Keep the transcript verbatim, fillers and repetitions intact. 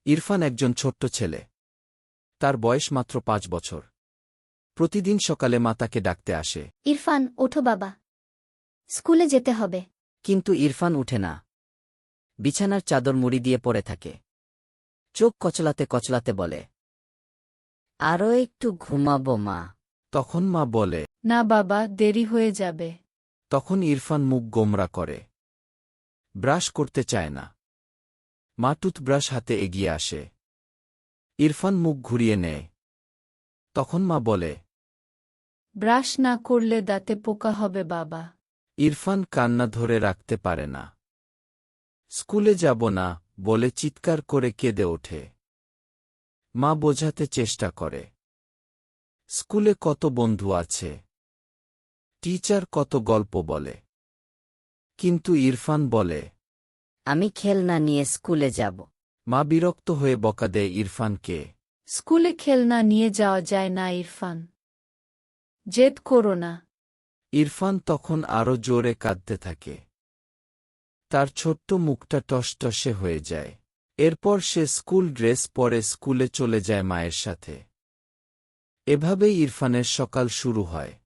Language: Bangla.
ইরফান একজন ছোট্ট ছেলে। তার বয়স মাত্র পাঁচ বছর। প্রতিদিন সকালে মা তাকে ডাকতে আসে। ইরফান, ওঠো বাবা, স্কুলে যেতে হবে। কিন্তু ইরফান উঠে না। বিছানার চাদর মুড়ি দিয়ে পড়ে থাকে। চোখ কচলাতে কচলাতে বলে, আরও একটু ঘুমাবো মা। তখন মা বলে, না বাবা, দেরি হয়ে যাবে। তখন ইরফান মুখ গোমরা করে। ব্রাশ করতে চায় না। মা টুথব্রাশ হাতে এগিয়ে আসে। ইরফান মুখ ঘুরিয়ে নেয়। তখন মা বলে, ব্রাশ না করলে দাঁতে পোকা হবে বাবা। ইরফান কান্না ধরে রাখতে পারে না। স্কুলে যাব না বলে চিৎকার করে কেঁদে ওঠে। মা বোঝাতে চেষ্টা করে, স্কুলে কত বন্ধু আছে, টিচার কত গল্প বলে। কিন্তু ইরফান বলে, আমি খেলনা নিয়ে স্কুলে যাব। মা বিরক্ত হয়ে বকা দেয় ইরফানকে। স্কুলে খেলনা নিয়ে যাওয়া যায় না ইরফান, জেদ করো না। ইরফান তখন আরো জোরে কাঁদতে থাকে। তার ছোট্ট মুখটা টসটসে হয়ে যায়। এরপর সে স্কুল ড্রেস পরে স্কুলে চলে যায় মায়ের সাথে। এভাবেই ইরফানের সকাল শুরু হয়।